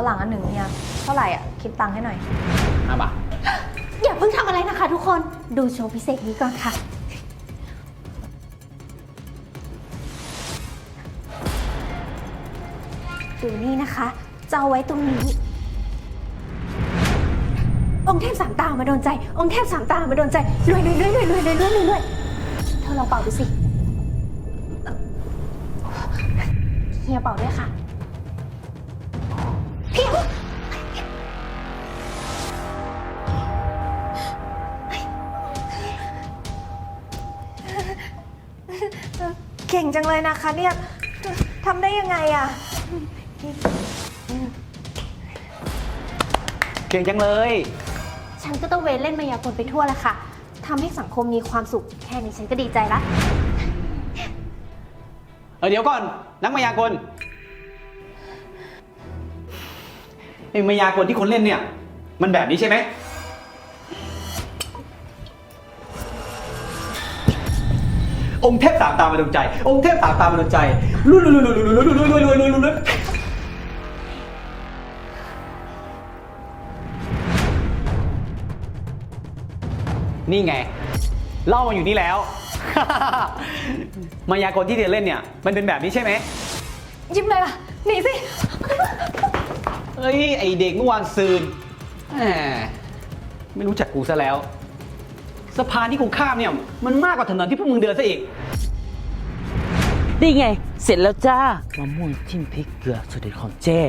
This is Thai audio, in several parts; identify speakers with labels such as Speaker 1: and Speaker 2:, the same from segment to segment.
Speaker 1: รั่งอันหนึ่งเนี่ยเท่าไหร่อ่ะคิดตังค์ให้หน่อย
Speaker 2: 5 บาท
Speaker 3: อย่าเพิ่งทำอะไรนะคะทุกคนดูโชว์พิเศษนี้ก่อนค่ะดูนี่นะคะจะเอาไว้ตรงนี้องค์เทพสามตามาโดนใจองค์เทพสามตามาโดนใจรวยเธอลองเป่าดูสิเฮียเป่าด้วยค่ะเพียง
Speaker 1: เก่งจังเลยนะคะเนี่ยทำได้ยังไงอ่ะ
Speaker 2: เก่งจังเลย
Speaker 3: ฉันก็ต้องเวนเล่นมายากลไปทั่วแหละค่ะทำให้สังคมมีความสุขแค่นี้ฉันก็ดีใจละ
Speaker 2: เดี๋ยวก่อนนักมายากลไอ้มายากลที่คนเล่นเนี่ยมันแบบนี้ใช่ไหมองค์เทพสามตามาดวงใจองค์เทพสามตามาดวงใจลุยนี่ไงเล่ามาอยู่นี่แล้ว มายากลที่เธอเล่นเนี่ยมันเป็นแบบนี้ใช่ไหม
Speaker 1: ยิ้มเลยล่ะหนีสิ
Speaker 2: เฮ้ยไอเด็กเมื่อวานซืนไม่รู้จักกูซะแล้วสะพานที่กูข้ามเนี่ยมันมากกว่าถนนที่พวกมึงเดินซะอีก
Speaker 4: นี่ไงเสร็จแล้วจ้ามะม่วงจิ้มพริกเกลือสูตรเด็ดของเจ๊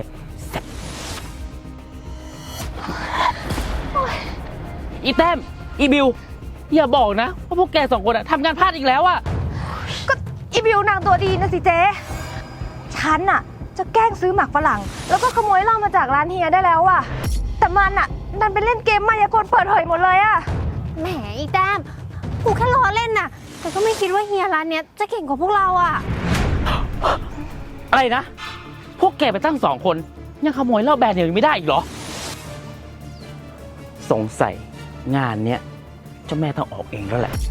Speaker 4: อีแต้มอีบิวอย่าบอกนะว่าพวกแกสองคนอะทำงานพลาดอีกแล้วอะ
Speaker 1: ก็อีบิวนางตัวดีนะสิเจ๊ฉันอะจะแกล้งซื้อหมากฝรั่งแล้วก็ขโมยเหล้ามาจากร้านเฮียได้แล้วอะแต่มันอะดันไปเล่นเกมมายากลเปิดเผยหมดเลยอะ
Speaker 3: แหมอีแต้มกูแค่ล้อเล่นน่ะแต่ก็ไม่คิดว่าเฮียร้านเนี้ยจะเก่งกว่าพวกเราอะ
Speaker 4: อะไรนะพวกแกไปตั้ง2 คนยังขโมยเหล้าแบรนด์เดียวยังไม่ได้อีกเหรอสงสัยงานเนี้ยเจ้าแม่ต้องออกเองแล้วแหละ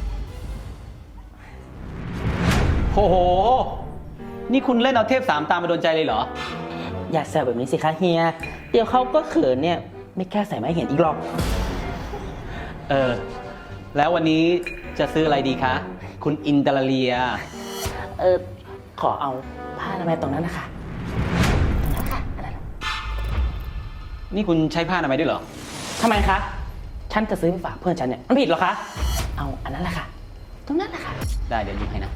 Speaker 2: โอ้โหนี่คุณเล่นเอาเทพสามตามาโดนใจเลยเหรอ
Speaker 4: อย่าแซวแบบนี้สิคะเฮียเดี๋ยวเขาก็เขินเนี่ยไม่กล้าใส่ไม้เห็นอีกหรอก
Speaker 2: แล้ววันนี้จะซื้ออะไรดีคะคุณอินเตอร์เลีย
Speaker 4: ขอเอาผ้าอนามัยตรงนั้นนะคะ
Speaker 2: นี่คุณใช้ผ้าอนามัยด้วยเหรอ
Speaker 4: ทำไมคะฉันจะซื้อไปฝากเพื่อนฉันเนี่ยมันผิดเหรอคะเอาอันนั้นแหละค่ะตรงนั้นแหละค่ะ
Speaker 2: ได้เดี๋ยวหยิบให้นะ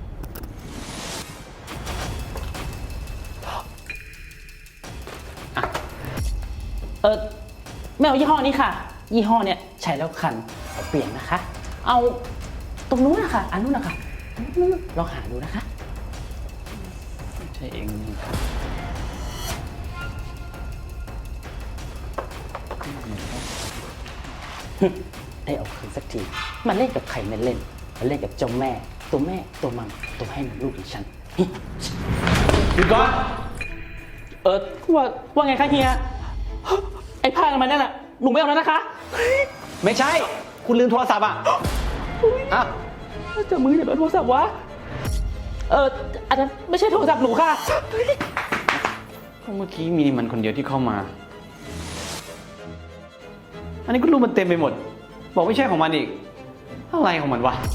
Speaker 4: ไม่เอายี่ห้อนี้ค่ะยี่ห้อเนี่ยใช้แล้วคันเอาเปลี่ยนนะคะเอาตรงนู้นนะคะอันนู้นนะคะลองหาดูนะคะ
Speaker 2: ใช่เอง
Speaker 4: ได้เอาคืนสักทีมันเล่นกับใครไม่เล่นมันเล่นกับเจ้าแม่ตัวแม่ตัวมัมตัวให้มันลูกของฉัน
Speaker 2: หยุดก่อน
Speaker 4: ว่าไงคะเฮียไอ้ผ้ามันนั่นน่ะหนูไม่เอาแล้วนะคะ
Speaker 2: ไม่ใช่คุณลืมโทรศัพท์อ่ะ
Speaker 4: จะมือเนี่ยเป็นโทรศัพท์วะอันนั้นไม่ใช่โทรศัพท์หนูค่ะ
Speaker 2: เมื่อกี้มีมันคนเดียวที่เข้ามาอันนี้ก็รูปมันเต็มไปหมดบอกไม่ใช่ของมันอีกอะไรของมันวะ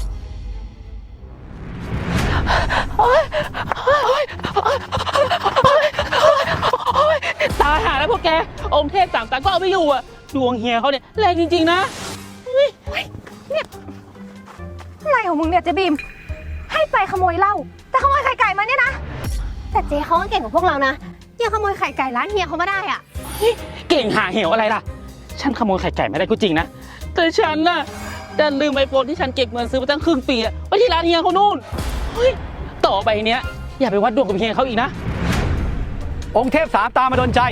Speaker 4: ตายหาแล้วพวกแกองค์เทพสามตาก็เอาไม่อยู่อ่ะดวงเฮียเขาเนี่ยแรงจริงๆนะ
Speaker 1: เนี่ยอะไรของมึงเนี่ยเจ๊บีมให้ไปขโมยเหล้าแต่ขโมยไข่ไก่มาเนี่ยนะ
Speaker 3: แต่เจ๊เขาก็เก่งกว่าพวกเรานะยังขโมยไข่ไก่ร้านเฮียเขามาได้อ่ะ
Speaker 4: เก่งหาเหวอะไรล่ะฉันขโมยไข่ไก่ไม่ได้ก็จริงนะแต่ฉันน่ะดันลืมไอโฟนที่ฉันเก็บเงินซื้อมาตั้งครึ่งปีไว้ที่ร้านเฮียเขานู่นต่อไปเนี้ยอย่าไปวัดดวงกับเฮียเขาอีกนะ
Speaker 2: องค์เทพสามตามาโดนใจ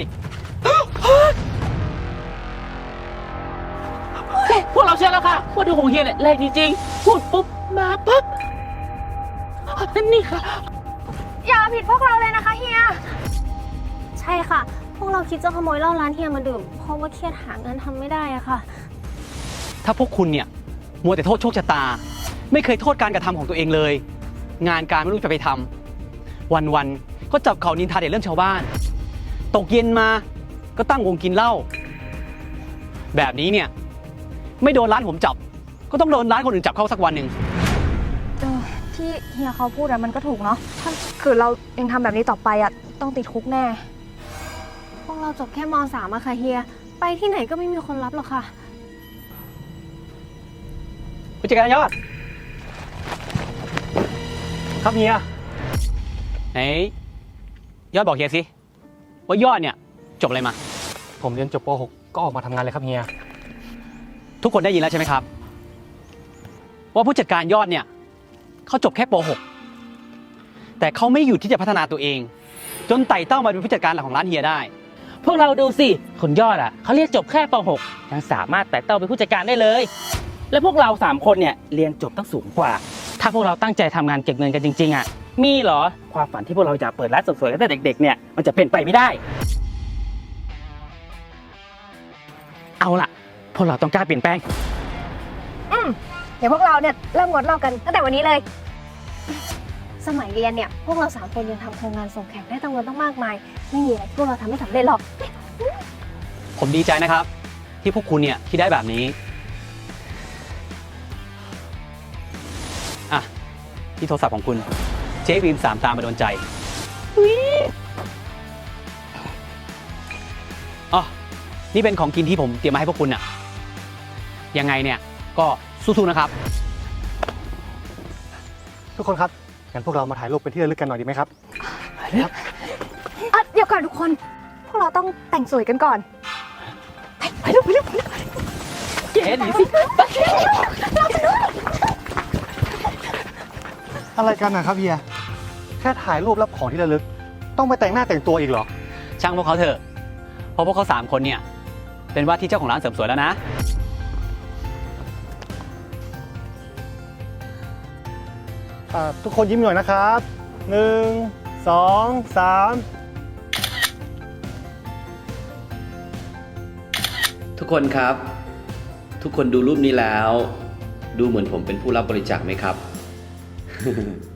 Speaker 4: พวกเราเชื่อแล้วค่ะว่าดวงของเฮียเนี่ยแรงจริงๆพูดปุ๊บมาปุ๊บนี่ค่ะ
Speaker 1: อย่าผิดพวกเราเลยนะคะเฮีย
Speaker 3: ใช่ค่ะพวกเราคิดจะขโมยเหล้าร้านเฮียมาดื่มเพราะว่าเครียดหางานทำไม่ได้อะค่ะ
Speaker 2: ถ้าพวกคุณเนี่ยมัวแต่โทษโชคชะตาไม่เคยโทษการกระทำของตัวเองเลยงานการไม่รู้จะไปทำวันๆก็จับเขานินทาแต่เรื่องชาวบ้านตกเย็นมาก็ตั้งวงกินเหล้าแบบนี้เนี่ยไม่โดนร้านผมจับ ก็ต้องโดนร้านคนอื่นจับเข้าสักวันหนึ่ง
Speaker 1: ที่เฮียเขาพูดอะมันก็ถูกเนาะถ้าคือเรายังทำแบบนี้ต่อไปอะต้องติดคุกแน่
Speaker 3: พวกเราจบแค่ม .3 อะค่ะเฮีย ไปที่ไหนก็ไม่มีคนรับหรอกค่ะ
Speaker 2: ผู้จัดการยอด
Speaker 5: ครับเฮีย
Speaker 2: ไหนยอดบอกเฮียสิว่ายอดเนี่ยจบอะไรมา
Speaker 5: ผมเรียนจบป .6 ก็ออกมาทำงานเลยครับเฮีย
Speaker 2: ทุกคนได้ยินแล้วใช่ไหมครับ ว่าผู้จัดการยอดเนี่ยเขาจบแค่ป .6 แต่เขาไม่หยุดที่จะพัฒนาตัวเอง จนไต่เต้ามาเป็นผู้จัดการหลักของร้านเฮียได้
Speaker 4: พวกเราดูสิคนยอดอ่ะเขาเรียนจบแค่ป .6 ยังสามารถไต่เต้าเป็นผู้จัดการได้เลย และพวกเรา3คนเนี่ยเรียนจบตั้งสูงกว่า ถ้าพวกเราตั้งใจทำงานเก็บเงินกันจริงๆอ่ะมีเหรอความฝันที่พวกเราจะเปิดร้านเสริมสวยตั้งแต่เด็กๆเนี่ยมันจะเป็นไปไม่ได้ เอาล่ะ พวกเราต้องกล้าเปลี่ยนแปลง
Speaker 1: เดี๋ยวพวกเราเนี่ยเริ่มงดเหล้ากันตั้งแต่วันนี้เลย
Speaker 3: สมัยเรียนเนี่ย พวกเรา3คนยังทำโครงงานส่งแข่งได้ตั้งวันต้องมากมาย ไม่มีอะไรที่พวกเราทำไม่สำเร็จหรอก
Speaker 2: ผมดีใจนะครับ ที่พวกคุณเนี่ยที่ได้แบบนี้อ่ะที่โทรศัพท์ของคุณเจ๊บีม3 ตามมาโดนใจอ๋อนี่เป็นของกินที่ผมเตรียมมาให้พวกคุณน่ะยังไงเนี่ยก็สู้ๆนะครับ
Speaker 5: ทุกคนครับงั้นพวกเรามาถ่ายรูปเป็นที่ระลึกกันหน่อยดีไหมครับ
Speaker 1: เดี๋ยวก่อนทุกคน พวกเราต้องแต่งสวยกันก่อน ไปเร็วไปเร็วไปเร็ว
Speaker 4: เจ๊หนีสิ
Speaker 5: อะไรกันนะครับเฮีย แค่ถ่ายรูปรับของที่ระลึก ต้องไปแต่งหน้าแต่งตัวอีกเหรอ
Speaker 2: ช่างพวกเขาเถอะเพราะพวกเขา3 คนเนี่ยเป็นว่าที่เจ้าของร้านเสริมสวยแล้วนะ
Speaker 5: ทุกคนยิ้มหน่อยนะครับ 1 2 3
Speaker 6: ทุกคนครับ ทุกคนดูรูปนี้แล้ว ดูเหมือนผมเป็นผู้รับบริจาคไหมครับ